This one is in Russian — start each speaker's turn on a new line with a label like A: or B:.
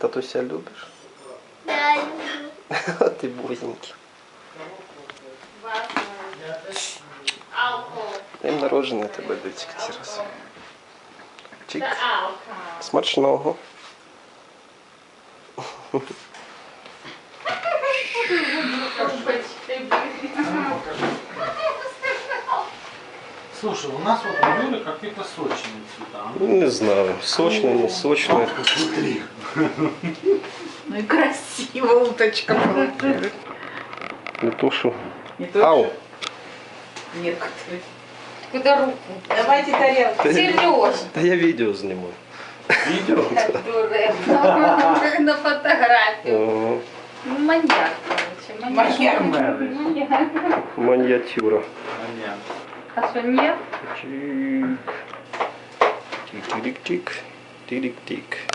A: Татуся любишь?
B: Да, люблю.
A: А ты бузенький. Днем народження тебе, Дитик, ці раз. Чик. Смачного.
C: Слушай, у нас вот у Юли какие-то сочные цвета.
A: Не знаю, сочные, не сочные.
C: Смотри.
D: Ну и красиво уточка получилась.
A: Не тушу.
D: Не то,
A: Ау.
D: что некоторые.
E: Куда руку?
D: Давайте тарелку.
E: Сереж,
A: Да я видео снимаю.
C: Видео?
E: дурак, на фотографию.
A: Ага.
E: Маньяк, короче.
D: Маньяк.
E: Маньяк.
A: Маньятюра.
C: Понятно.
E: А что, нет?
A: Чик. Тик-тик-тик. Тик-тик.